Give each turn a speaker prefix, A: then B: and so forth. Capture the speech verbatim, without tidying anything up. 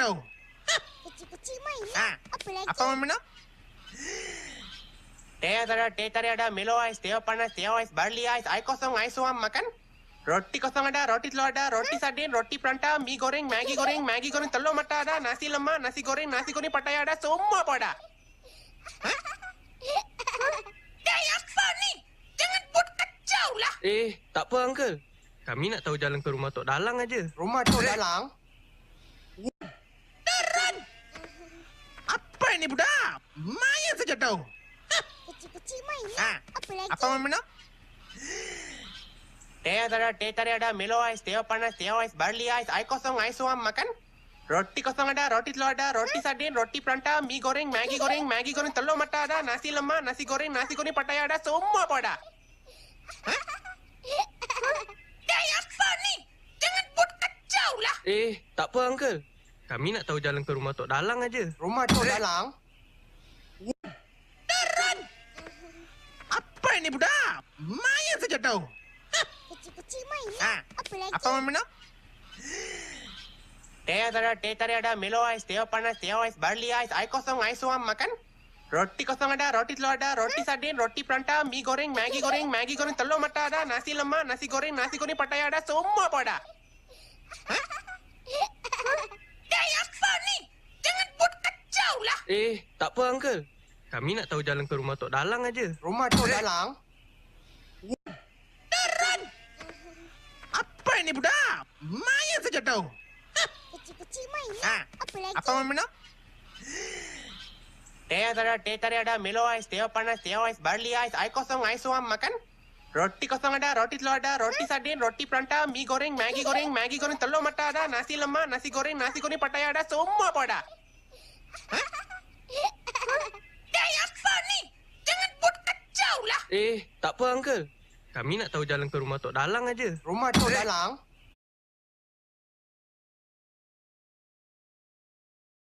A: tahu?
B: Kecil-kecil main lah.
A: Ha.
B: Apa lagi?
A: Apa mau minum?
C: Teh ada, teh tadi ada, Milo ais, teh panas, teh ais, barley ais, ai kosong, ai suam makan. Roti kosong ada, roti telur ada, roti sardin, roti pranta, mie goreng, Maggi goreng, Maggi goreng telur mata ada, nasi lemak, nasi goreng, nasi goreng pattaya ada, semua apa ada.
D: Dai, apa ni? Jangan buat kacau lah.
E: Eh, tak apa, Uncle. Kami nak tahu jalan ke rumah Tok Dalang aja.
C: Rumah Tok Dalang?
D: Daran.
A: Apa ini budak? Main saja tahu.
B: Kecil-kecil main
A: Ha.
B: lah. Apa lagi?
A: Apa mau minum?
C: Teh ada, teh tadi ada, Milo ais, teh panas, teh ais, barley ais, ai kosong, ai suam makan. Roti kosong ada, roti telur ada, roti sardin, roti pranta, mie goreng, Maggi goreng, Maggi goreng telur mata ada, nasi lemak, nasi goreng, nasi goreng pattaya ada, semua apa ada.
D: Dai, apa ni? Jangan buat kacau lah.
E: Eh, tak apa, Uncle. Kami nak tahu jalan ke rumah Tok Dalang aja.
C: Rumah Tok Dalang?
D: Daran.
A: Apa ini budak? Main saja tahu.
B: Kecil-kecil main
A: Ha.
B: lah. Apa lagi?
A: Apa mau minum?
C: Teh ada, teh tadi ada, Milo ais, teh panas, teh ais, barley ais, ai kosong, ai suam makan. Roti kosong ada, roti telur ada, roti sardin, roti pranta, mie goreng, Maggi goreng, Maggi goreng telur mata ada, nasi lemak, nasi goreng, nasi goreng pattaya ada, semua apa ada.
D: Dai, apa ni? Jangan buat kacau lah.
E: Eh, tak apa, Uncle. Kami nak tahu jalan ke rumah Tok Dalang aja.
C: Rumah Tok Dalang?
D: Daran.
A: Apa ini budak? Main saja tahu.
B: Kecil-kecil main
A: Ha.
B: lah. Apa lagi?
A: Apa mau minum?
C: Teh ada, teh tadi ada, Milo ais, teh panas, teh ais, barley ais, ai kosong, ai suam makan. Roti kosong ada, roti telur ada, roti sardin, roti pranta, mie goreng, Maggi goreng, Maggi goreng telur mata ada, nasi lemak, nasi goreng, nasi goreng pattaya ada, semua apa ada.
D: Dai, apa ni? Jangan buat kacau lah.
E: Eh, tak apa, Uncle. Kami nak tahu jalan ke rumah Tok Dalang aja.
C: Rumah Tok Dalang?